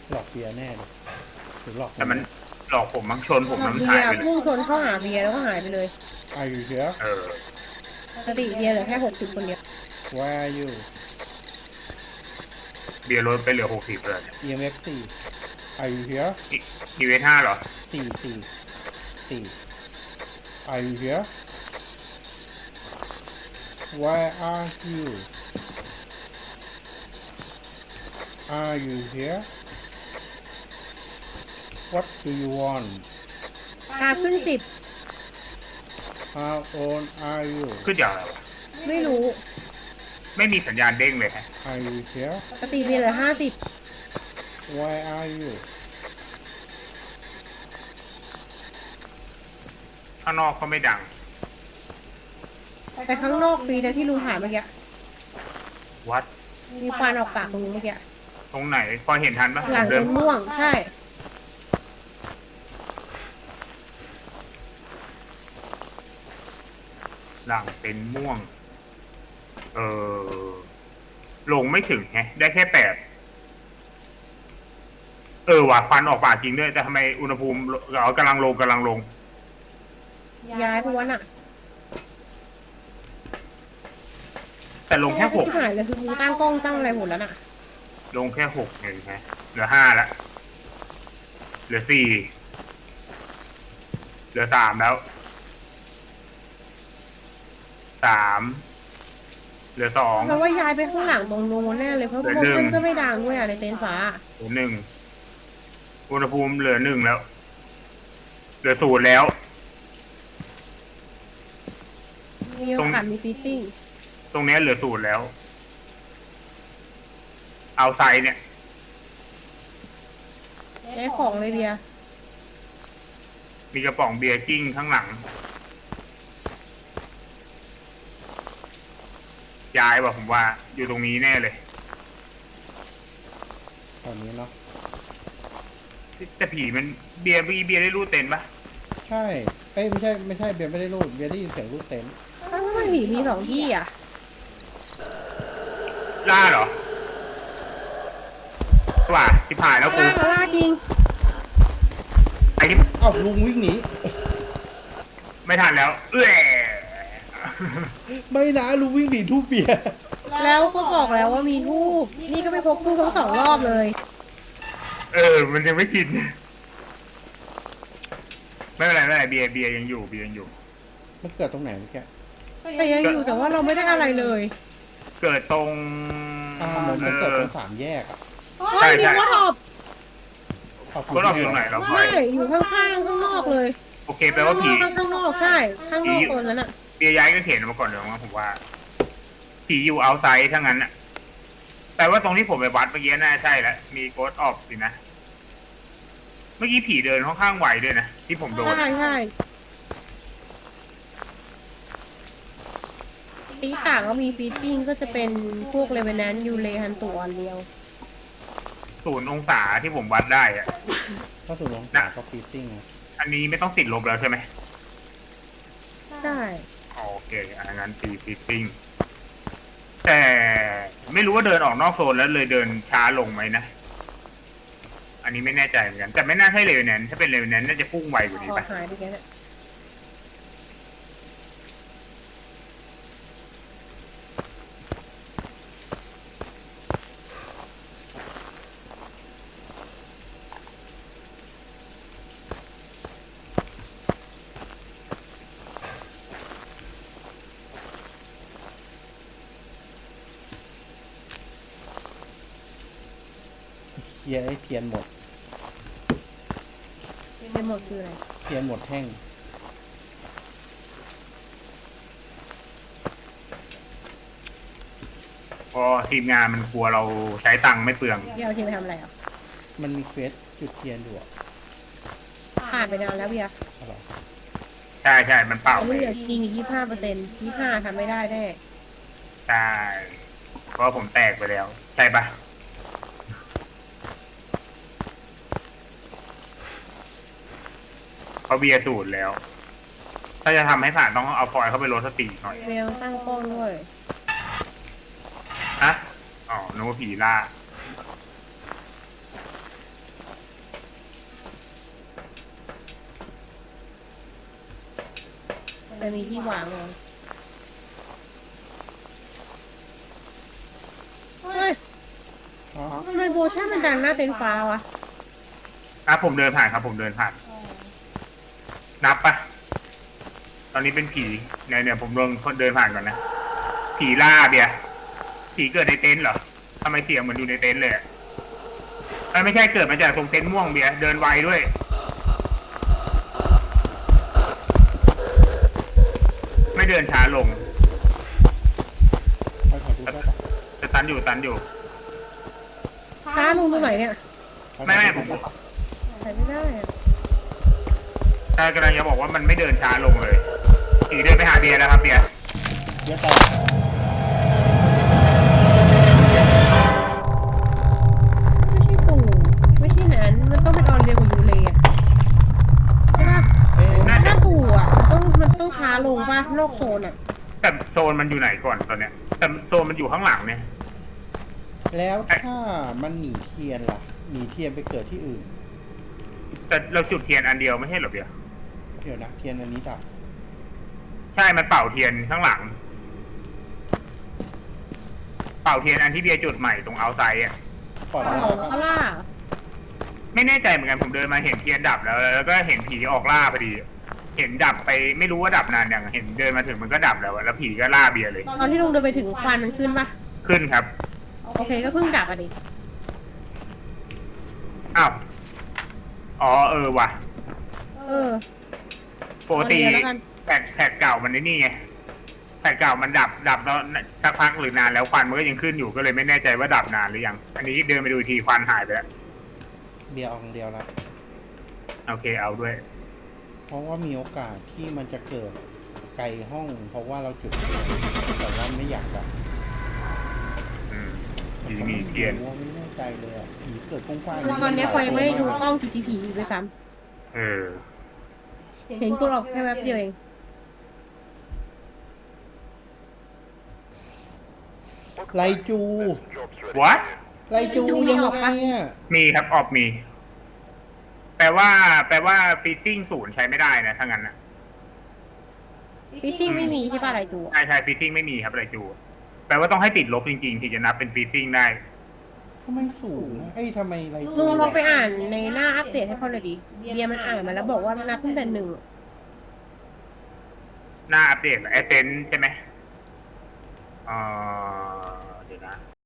หลอกเบียร์แน่เลยหรือหลอกแต่มันหลอกผมมั้งชนผมเราน้ำเบียร์หายไปเลยพุ่งชนเข้าหาเบียร์แล้วก็หายไปเลย Are you here เออปกติเบียร์เหลือแค่60คนเดียว Where are you เบียร์ลดไปเหลือ60เลย EMF 4 Are you here อีเวนต์5เหรอ 4 Are you here Where are you Are you here What do you want ขึ้น10 How old are you ขึ้นอย่างไรวะไม่รู้ไม่มีสัญญาณเด้งเลยฮะ Are you here ปกติเบียร์เหลือ Where are you ข้างนอกก็ไม่ดัง 50แต่ข้างนอกฟรีแต่ที่ลุงถ่ายเมื่อกี้วัดมีควันออกปากลุงเมื่อกี้ตรงไหนพอเห็นทันปะหลังเดิเป็น นม่วงใช่หลังเป็นม่วง เออลงไม่ถึงไงได้แค่8ว่ะควันออกปากจริงด้วยแต่ทำไมอุณหภูมิกำลังลงย้ายเพราะว่าน่ะแต่ลงแค่ที่หายเลยคือมึงตั้งกล้องตั้งอะไรหมดแล้วน่ะ 6ลงแค่6เองฮะเหลือ5แล้วเหลือ4เหลือ3แล้ว3เหลือ2 เพราะว่าย้ายไปข้างหลังตรงนู้นแน่เลยเพราะเหลือโมหนึ่ชั่งนก็ไม่ดังด้วยอ่ะในเต็นท์ฟ้าเหลือ1อุณหภูมิเหลือ1แล้วเหลือ0แล้วมีโอกาสมีฟีซซิ่งตรงนี้เหลือ0แล้วเอาไซเนี่ยได้ของเลยเบียร์มีกระป๋องเบียร์กิ้งข้างหลังย้ายว่ะผมว่าอยู่ตรงนี้แน่เลยตอนนี้เนาะแต่ผีมันเบียร์ได้รูดเต็นปะใช่เอ้ยไม่ใช่เบียร์ไม่ได้รูดเบียร์ได้ยินเสียงรูดเต็นท์ถ้ามันผีมี2ที่อ่ะล่าเหรอว่าที่ผ่านแล้วกูล่าจริงไอ้ที่อ้าวลุงวิ่งหนีไม่ทันแล้วไม่นะลุงวิ่งหนีทูบเบียร์แล้วก็บอกแล้วว่ามีทูบนี่ก็ไม่พกทูบทั้ง2 รอบเลยมันยังไม่กินไม่เป็นไรเบียร์ยังอยู่มันเกิดตรงไหนเมื่อกี้แต่ยังอยู่แต่ว่าเราไม่ได้อะไรเลยเกิดตรงมันเกิดตรง3 แยกอ่ะเฮ้ยมีวอทอปก็รอบอยู่ตรงไหนเราพลอไม่ยอยู่ข้างๆข้างนอกเลยโอเคแปลว่าผีข้างนอกใช่ ข้างนอกตัวนั้นอ่ะเบียร์ย้ายก็เขียนมาก่อนเดี๋ยวนะผมว่าผีอยู่เอาไซด์ทั้งนั้นน่ะแต่ว่าตรงที่ผมไปวัดเมื่อกี้น่าใช่แล้วมีโกดออฟสินะเมื่อกี้ผีเดินค่อนข้างไวด้วยนะที่ผมโดนใช่ตีต่างก็มีฟีดดิ้งก็จะเป็นพวกเลเวนแนนยูเลฮันตัวอันเดียว 0 องศาที่ผมวัดได้อะถ้าสูงลงศาก็ฟีซซิ่งอันนี้ไม่ต้องติดลบแล้วใช่ไหมใช่โอเคอันนั้นตีฟิตติ้งแต่ไม่รู้ว่าเดินออกนอกโซนแล้วเลยเดินช้าลงไหมนะอันนี้ไม่แน่ใจเหมือนกันแต่ไม่น่าใช่เลเวนแนนถ้าเป็นเลเวนแนนน่าจะพุ่งไวกว่านี้ออปะกหายไปแค่นั้นเคลียร์ไอ้เทียนหมดเป็นหมดคืออะไรเทียนหมดแท่งพอทีมงานมันกลัวเราใช้ตังค์ไม่เปลืองเบียร์เอาทีไปทำอะไรอ่ะมันมีเควสจุดเทียนอยู่อ่ะผ่านไปนานแล้วเบียร์เอาเหรอใช่มันเป่าอันไปนี้เหลือจริงอีก25%25ทำไม่ได้แน่ใช่เพราะผมแตกไปแล้ว ใช่ปะเพราะเบียร์สูตรแล้ว ถ้าจะทำให้ผ่านต้องเอาฟอยล์เข้าไปลดสติหน่อยเบียร์ตั้งกล้องด้วยฮะอ๋อนึกว่าผีล่ามันมีที่วางเลยเฮ้ยอ๋อทำไมโบชั่นมันดังหน้าเต็นท์ฟ้าวะผมเดินผ่านครับผมเดินผ่าน นับปะตอนนี้เป็นผีเนี่ยผมลองเดินผ่านก่อนนะ ผีล่าเบียร์ผีเกิดในเต็นท์เหรอทำไมเสียงเหมือนอยู่ในเต็นท์เลยอะไม่ใช่เกิดมาจากตรงเต็นท์ม่วงเบียร์เดินไวด้วย ไม่เดินช้าลงไปขอดูได้ปะจะตันอยู่ฟ้าลงตรงไหนเนี่ยไม่ผมใส่ไม่ได้อะแต่กำลังจะบอกว่ามันไม่เดินช้าลงเลยผีเดินไปหาเบียร์แล้วครับเบียร์เดี๋ยวต่อไม่ใช่ตู่ไม่ใช่นั้นมันต้องเป็นออนเรียวกับยูเลอะใช่ปะเอ๊ะถ้าตู่อ่ะมันต้องช้าลงป่ะนอกโซนอ่ะแต่โซนมันอยู่ไหนก่อนตอนเนี้ยแต่โซนมันอยู่ข้างหลังเนี่ยแล้วถ้ามันหนีเทียนล่ะหนีเทียนไปเกิดที่อื่นแต่เราจุดเทียนอันเดียวไม่ใช่เหรอเบียร์เดี๋ยวนะเทียนอันนี้ดับใช่มันเป่าเทียนข้างหลัง เป่าเทียนอันที่เบียร์จุดใหม่ตรงเอาไซด์อ่ะก่อนหน้าของเขาล่าไม่แน่ใจเหมือนกันผมเดินมาเห็นเทียนดับแล้วก็เห็นผีออกล่าพอดี เห็นดับไปไม่รู้ว่าดับนานอย่างเห็นเดินมาถึงมันก็ดับแล้วอะแล้วผีก็ล่าเบียร์เลยตอนที่ลุงเดินไปถึงควันมันขึ้นป่ะขึ้นครับโอเคก็เพิ่งดับอ่ะดิอ้าวอ๋อว่ะเออปกติเอาเดี๋ยวแล้วกันแผ่นเก่ามันนี่ไงแผ่นเก่ามันดับแล้วสักพักหรือนานแล้วควันมันก็ยังขึ้นอยู่ก็เลยไม่แน่ใจว่าดับนานหรือยังอันนี้เดินไปดูอีกทีควันหายไปแล้วเบียร์เอาคนเดียวละโอเคเอาด้วยเพราะว่ามีโอกาสที่มันจะเกิดไกลห้อง เพราะว่าเราจุดเทียนแต่ว่าไม่อยากดับผีมีเทียนว่าไม่แน่ใจเลยอ่ะผีเกิดกว้างๆคือตอนเนี้ยพลอยไม่ได้ดูกล้องจุดที่ผีอยู่ด้วยซ้เออำเห็นกูหรอกแค่แป๊บเดียวเองไลจู what ไลจูยังไงอ่ะมีครับออกมี แปลว่าฟิตติ้งศูนย์ใช้ไม่ได้นะถ้างั้นนะฟิชชิ่งไม่มีใช่ป่ะอะไรจูอะใช่ฟิตติ้งไม่มีครับอะไรจูแปลว่าต้องให้ติดลบจริงๆถึงจะนับเป็นฟิตติ้งได้ทำไมสูงนะเอ้ยทำไมไลจูลุงลองไปอ่านในหน้าอัปเดตให้พ่อหน่อยดิเบียร์มันอ่านมาแล้วบอกว่านับตั้งแต่หนึ่งหน้าอัปเดตแอสเซนใช่ไหม